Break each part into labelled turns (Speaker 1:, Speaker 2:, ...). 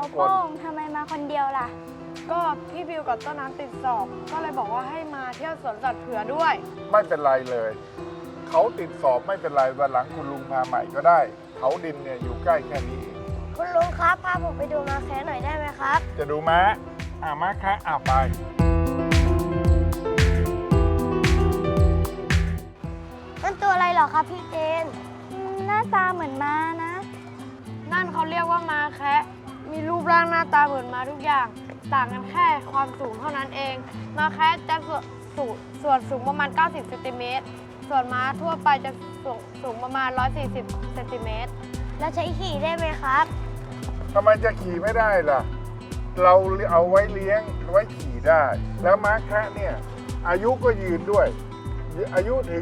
Speaker 1: โป้งทำไมมาคนเดียวล่ะ
Speaker 2: ก็พี่บิวกับต้นน้ำติดสอบ ก็เลยบอกว่าให้มาเที่ยวสวนสัตว์เผื่อด้วย
Speaker 3: ไม่เป็นไรเลย เขาติดสอบไม่เป็นไรวันหลังคุณลุงพาใหม่ก็ได้ เขาดินเนี่ยอยู่ใกล้แค่นี้เอง
Speaker 4: คุณลุงครับพาผมไปดูม้าแคะหน่อยได้ไหมครับ
Speaker 3: จะดูม้าม้าแคะไป
Speaker 4: นั่นตัวอะไรเหรอครับพี่เจน
Speaker 1: หน้าตาเหมือนม้านะ
Speaker 2: นั่นเขาเรียกว่าม้าแคะมีรูปร่างหน้าตาเหมือนม้าทุกอย่าง ต่างกันแค่ความสูงเท่านั้นเองม้าแคะจะส่วนสูงประมาณ 90 เซนติเมตร ส่วนม้าทั่วไปจะสูงประมาณ 140 เซนติเมตร
Speaker 4: แล้วใช้ขี่ได้ไหมครับ
Speaker 3: ทำไมจะขี่ไม่ได้ล่ะ เราเอาไว้เลี้ยงไว้ขี่ได้ แล้วม้าแคะเนี่ยอายุก็ยืนด้วย อายุถึง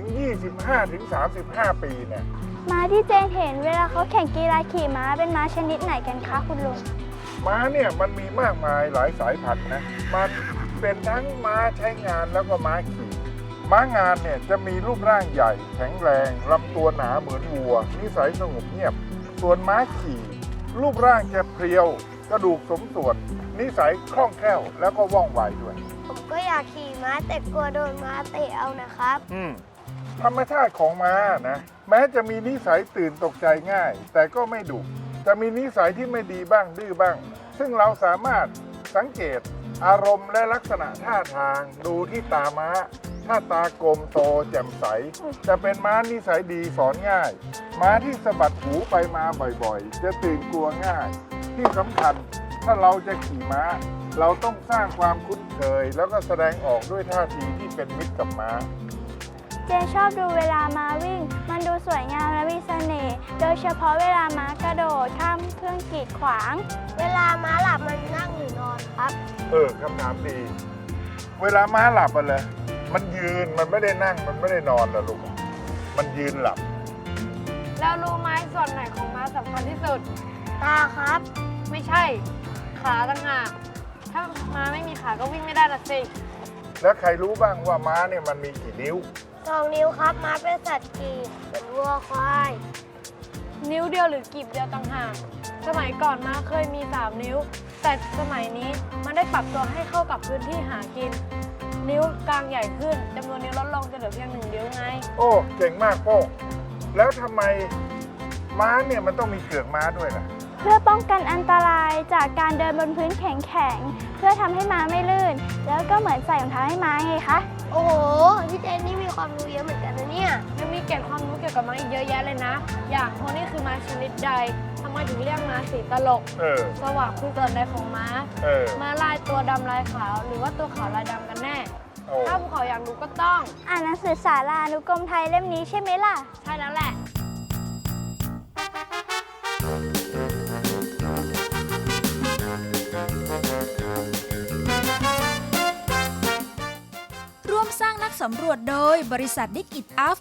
Speaker 3: 25-35 ปีเนี่ย
Speaker 1: ม้าที่เจนเห็นเวลาเขาแข่งกีฬาขี่ม้าเป็นม้าชนิดไหนกันคะคุณลุง
Speaker 3: ม้าเนี่ยมันมีมากมายหลายสายพันธุ์นะ มันเป็นทั้งม้าใช้งานแล้วก็ม้าขี่ ม้างานเนี่ยจะมีรูปร่างใหญ่แข็งแรงลำตัวหนาเหมือนวัวนิสัยสงบเงียบ ส่วนม้าขี่ รูปร่างจะเพรียวกระดูกสมส่วนนิสัยคล่องแคล่วแล้วก็ว่องไวด้วย
Speaker 4: ผมก็อยากขี่ม้าแต่กลัวโดนม้าเตะเอานะครับ
Speaker 3: ธรรมชาติของม้านะแม้จะมีนิสัยตื่นตกใจง่าย แต่ก็ไม่ดุจะมีนิสัยที่ไม่ดีบ้างดื้อบ้าง ซึ่งเราสามารถสังเกตอารมณ์และลักษณะท่าทางดูที่ตาม้า ถ้าตากลมโตแจ่มใส จะเป็นม้านิสัยดีสอนง่าย ม้าที่สะบัดหูไปมาบ่อยๆ จะตื่นกลัวง่าย ที่สำคัญถ้าเราจะขี่ม้า เราต้องสร้างความคุ้นเคย แล้วก็แสดงออกด้วยท่าทีที่เป็นมิตรกับม้า
Speaker 1: เจนชอบดูเวลาม้าวิ่ง มันดูสวยงามและมีเสน่ห์โดยเฉพาะเวลาม้ากระโดดข้ามเครื่องกีดขวาง
Speaker 4: เวลาม้าหลับมันนั่งหรือนอนครับ
Speaker 3: คำถามดี เวลาม้าหลับอะเลยมันยืนมันไม่ได้นั่งมันไม่ได้นอนนะลูกมันยืนหลับ
Speaker 2: แล้วรู้ไหมส่วนไหนของม้าสำคัญที่สุด
Speaker 4: ตาครับ
Speaker 2: ไม่ใช่ ขาต่างหากถ้าม้าไม่มีขาก็วิ่งไม่ได้ละสิ
Speaker 3: แล้วใครรู้บ้างว่าม้าเนี่ยมันมีกี่นิ้ว
Speaker 4: 2 นิ้วครับ ม้าเป็นสัตว์กีบเป็นวัวควาย
Speaker 2: นิ้วเดียวหรือกีบเดียวต่างหาก สมัยก่อนม้าเคยมี 3 นิ้ว แต่สมัยนี้มันได้ปรับตัวให้เข้ากับพื้นที่หากิน นิ้วกลางใหญ่ขึ้นจำนวนนิ้วลดลงจะเหลือเพียง1 นิ้วไง
Speaker 3: โอ้เก่งมากโป้งแล้วทำไมม้าเนี่ยมันต้องมีเกือกม้าด้วยล่ะ
Speaker 1: เพื่อป้องกันอันตรายจากการเดินบนพื้นแข็งๆ เพื่อทำให้ม้าไม่ลื่น แล้วก็เหมือนใส่รองเท้าให้ม้าไงคะ
Speaker 4: โอ้โห พี่เจนนี่มีความรู้เยอะเหมือนกันนะเนี่ย
Speaker 2: ยังมีเกร็ดความรู้เกี่ยวกับม้าอีกเยอะแยะเลยนะ อย่างโพนี่คือม้าชนิดใดทำไมถึงเรียกม้าสีตลก สวะคือส่วนใดของม้า ม้าลายตัวดำลายขาว หรือว่าตัวขาวลายดำกันแน่ ถ้าภูเขาอยากรู้ก็ต้อง
Speaker 1: อ่านหนังสือสารานุกรมไทยเล่มนี้ใช่ไหมล่ะ
Speaker 2: ใช่แล้วแหละ
Speaker 5: ร่วมสร้างนักสำรวจโดยบริษัท Dig It Up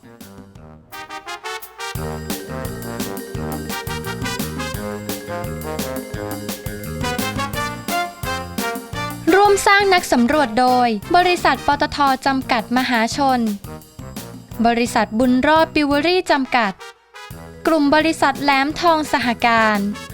Speaker 6: ร่วมสร้างนักสำรวจโดยบริษัทปตท.จำกัดมหาชน บริษัทบุญรอดปิวเวอรี่จำกัด กลุ่มบริษัทแหลมทองสหการ